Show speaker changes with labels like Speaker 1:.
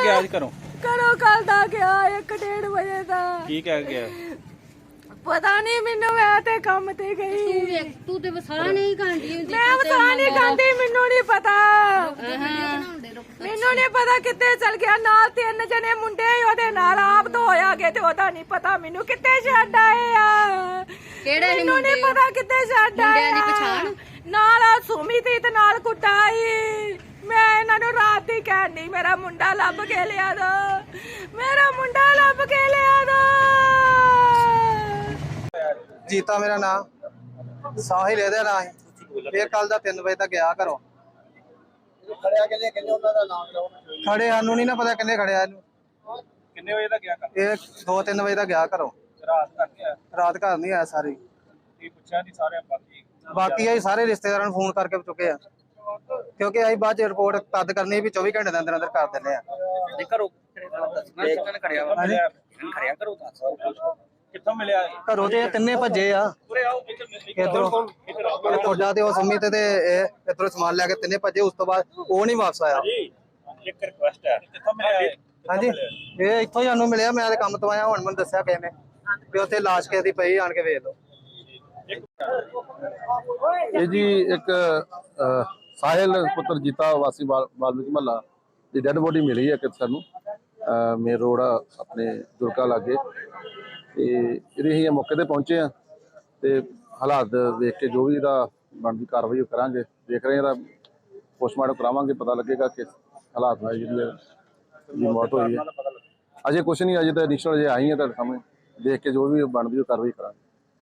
Speaker 1: ਗਿਆ ਅੱਜ ਘਰੋਂ?
Speaker 2: ਘਰੋਂ ਕੱਲ ਦਾ ਗਿਆ 1:30 ਵਜੇ ਦਾ।
Speaker 1: ਕੀ ਕਹਿ ਗਿਆ?
Speaker 2: ਪਤਾ ਨਹੀਂ ਮੈਨੂੰ, ਮੈਂ ਤੇ ਕੰਮ ਤੇ ਗਈ।
Speaker 3: ਤੂੰ ਤੇ ਵਸਾ ਨਹੀਂ ਖਾਂਦੀ ਹੁੰਦੀ।
Speaker 2: ਮੈਂ ਵਸਾ ਨਹੀਂ ਖਾਂਦੀ, ਮੈਨੂੰ ਨਹੀਂ ਪਤਾ। ਮੈਨੂੰ ਨਹੀਂ ਪਤਾ ਕਿੱਥੇ ਚਲ ਗਿਆ। ਨਾਲ 3 ਜਣੇ ਮੁੰਡੇ ਉਹਦੇ ਨਾਲ ਆਪ ਤੋਂ ਹੋਇਆ ਗਏ ਤੇ ਉਹਦਾ ਨਹੀਂ ਪਤਾ ਮੈਨੂੰ ਕਿੱਥੇ ਛੱਡ ਆਏ ਆ।
Speaker 3: ਕਿਹੜੇ
Speaker 2: ਮੈਨੂੰ ਨਹੀਂ ਪਤਾ ਕਿੱਥੇ ਛੱਡ ਆਏ
Speaker 3: ਮੁੰਡਿਆਂ ਦੀ ਪਛਾਣ?
Speaker 2: ਨਾਲ ਸੁਮੀ ਤੇ ਨਾਲ ਕੁੱਟਾਈ। ਮੈਂ ਇਹਨਾਂ ਨੂੰ ਰਾਤ ਦੀ ਕਹਿਣੀ ਮੇਰਾ ਮੁੰਡਾ ਲੱਭ ਕੇ ਲਿਆ ਦੋ, ਮੇਰਾ ਮੁੰਡਾ ਲੱਭ ਕੇ ਲਿਆ ਦੋ।
Speaker 4: ਜੀਤਾ ਮੇਰਾ ਨਾਮ, ਸਾਹਿਲ ਇਹਦਾ ਨਾਂ ਹੈ। ਫਿਰ ਕੱਲ ਦਾ 3 ਵਜੇ ਤੱਕ ਗਿਆ ਘਰੋਂ।
Speaker 5: ਖੜਿਆ ਕਿੰਨੇ ਉਹਨਾਂ ਦਾ ਨਾਮ ਲਓ।
Speaker 4: ਖੜੇ ਸਾਨੂੰ ਨਹੀਂ ਨਾ ਪਤਾ ਕਿੰਨੇ ਖੜਿਆ ਇਹਨੂੰ।
Speaker 1: ਕਿੰਨੇ ਵਜੇ ਦਾ ਗਿਆ ਘਰ?
Speaker 4: ਇਹ 2-3 ਵਜੇ ਤੱਕ ਗਿਆ ਘਰੋਂ।
Speaker 1: ਰਾਤ ਤੱਕ ਆਇਆ?
Speaker 4: ਰਾਤ ਘਰ ਨਹੀਂ ਆਇਆ ਸਾਰੀ।
Speaker 1: ਕੀ ਪੁੱਛਿਆ ਨਹੀਂ ਸਾਰੇ
Speaker 4: ਬਾਕੀ ਅਸੀਂ ਸਾਰੇ ਰਿਸ਼ਤੇਦਾਰਾਂ ਨੂੰ ਫੋਨ ਕਰਕੇ ਚੁੱਕੇ ਆ, ਕਿਉਂਕਿ ਅਸੀਂ ਬਾਅਦ ਚ ਰਿਪੋਰਟ ਤਦ ਕਰਨੀ ਵੀ 24 ਘੰਟੇ ਦੇ ਅੰਦਰ ਅੰਦਰ ਕਰ ਦਿੰਦੇ ਆ।
Speaker 1: ਘਰੋਂ ਖੜਿਆ ਵਾ? ਖੜਿਆ ਘਰੋਂ ਦੱਸ ਕਿੱਥੋਂ ਮਿਲਿਆ?
Speaker 4: ਘਰੋਂ ਤੇ ਇਹ ਤਿੰਨੇ ਭੱਜੇ ਆ। ਇਧਰੋਂ ਤੁਹਾਡਾ ਤੇ ਉਹ ਸੁਮੀ ਤੇ ਇਹ ਇਧਰੋਂ ਸਮਾਨ ਲੈ ਕੇ ਤਿੰਨੇ ਭੱਜੇ। ਉਸ ਤੋਂ ਬਾਅਦ ਉਹ ਨਹੀਂ ਵਾਪਸ ਆਇਆ।
Speaker 1: ਇੱਕ ਰਿਕੁਐਸਟ ਹੈ, ਕਿੱਥੋਂ ਮਿਲਿਆ?
Speaker 4: ਹਾਂਜੀ, ਇਹ ਇੱਥੋਂ ਹੀ ਸਾਨੂੰ ਮਿਲਿਆ। ਮੈਂ ਤੇ ਕੰਮ ਤੋਂ ਆਇਆ, ਹੁਣ ਮੈਨੂੰ ਦੱਸਿਆ ਕਿਸੇ ਨੇ ਵੀ ਉੱਥੇ ਲਾਸ਼ ਕਿਸੇ ਦੀ ਪਈ, ਆਣ ਕੇ ਵੇਖ ਲਓ।
Speaker 6: ਇਹ ਜੀ ਇੱਕ ਸਾਹਿਲ ਪੁੱਤਰ ਜੀਤਾ ਵਾਸੀ ਵਾਲਮੀਕ ਮਹੱਲਾ ਦੀ ਡੈਡ ਬੋਡੀ ਮਿਲੀ ਹੈ ਕਿ ਸਾਨੂੰ ਮੇਨ ਰੋਡ ਆਪਣੇ ਦੁਰਗਾ ਲਾਗੇ। ਤੇ ਇਹਦੇ ਅਸੀਂ ਮੌਕੇ ਤੇ ਪਹੁੰਚੇ ਆ ਤੇ ਹਾਲਾਤ ਵੇਖ ਕੇ ਜੋ ਵੀ ਇਹਦਾ ਬਣਦੀ ਕਾਰਵਾਈ ਕਰਾਂਗੇ। ਦੇਖ ਰਹੇ ਇਹਦਾ ਪੋਸਟਮਾਰਟਮ ਕਰਾਵਾਂਗੇ, ਪਤਾ ਲੱਗੇਗਾ ਕਿ ਹਾਲਾਤ ਨਾਲ ਜਿਹੜੀ ਮੌਤ ਹੋਈ ਹੈ। ਅਜੇ ਕੁਛ ਨਹੀਂ, ਅਜੇ ਤਾਂ ਇਨੀਸ਼ੀਅਲ ਜੇ ਆਈ ਹੈ ਤੁਹਾਡੇ ਸਾਹਮਣੇ, ਦੇਖ ਕੇ ਜੋ ਵੀ ਬਣਦੀ ਕਾਰਵਾਈ ਕਰਾਂਗੇ।